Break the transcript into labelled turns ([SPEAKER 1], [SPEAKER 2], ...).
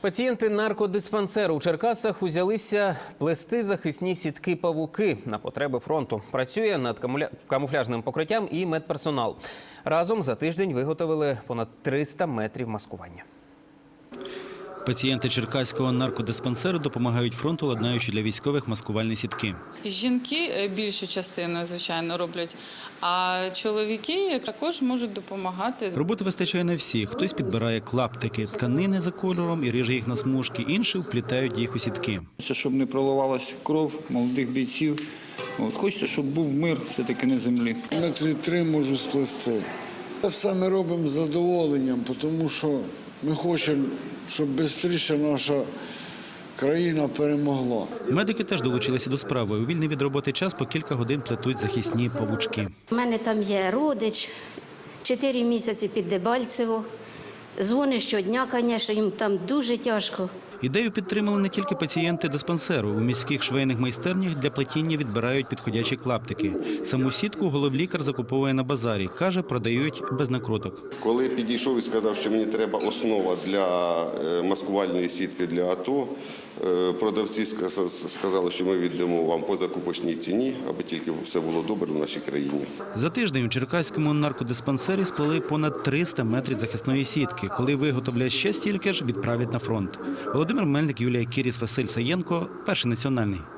[SPEAKER 1] Пацієнти наркодиспансеру у Черкасах узялися плести захисні сітки-павуки на потреби фронту. Працює над камуфляжним покриттям і медперсонал. Разом за тиждень виготовили понад 300 метрів маскування.
[SPEAKER 2] Пацієнти Черкаського наркодиспансеру допомагають фронту, ладнаючи для військових маскувальні сітки.
[SPEAKER 3] Жінки більшу частину, звичайно, роблять, а чоловіки також можуть допомагати.
[SPEAKER 2] Роботи вистачає на всіх. Хтось підбирає клаптики тканини за кольором і ріже їх на смужки, інші вплітають їх у сітки.
[SPEAKER 4] Щоб не проливалась кров молодих бійців. Хочеться, щоб був мир все-таки на землі.
[SPEAKER 5] Метрів 3 можу сплести. Це все ми робимо з задоволенням, тому що ми хочемо, щоб швидше наша країна перемогла.
[SPEAKER 2] Медики теж долучилися до справи. У вільний від роботи час по кілька годин плетуть захисні павучки.
[SPEAKER 6] У мене там є родич, 4 місяці під Дебальцево. Дзвонить щодня, звісно, їм там дуже тяжко.
[SPEAKER 2] Ідею підтримали не тільки пацієнти диспансеру. У міських швейних майстернях для плетіння відбирають підходячі клаптики. Саму сітку головлікар закуповує на базарі. Каже, продають без накруток.
[SPEAKER 7] Коли підійшов і сказав, що мені треба основа для маскувальної сітки для АТО, продавці сказали, що ми віддамо вам по закупочній ціні, аби тільки все було добре в нашій країні.
[SPEAKER 2] За тиждень у Черкаському наркодиспансері сплели понад 300 метрів захисної сітки. Коли виготовлять ще стільки ж, відправлять на фронт. Володимир Мельник, Юлія Кіріс, Василь Саєнко, Перший національний.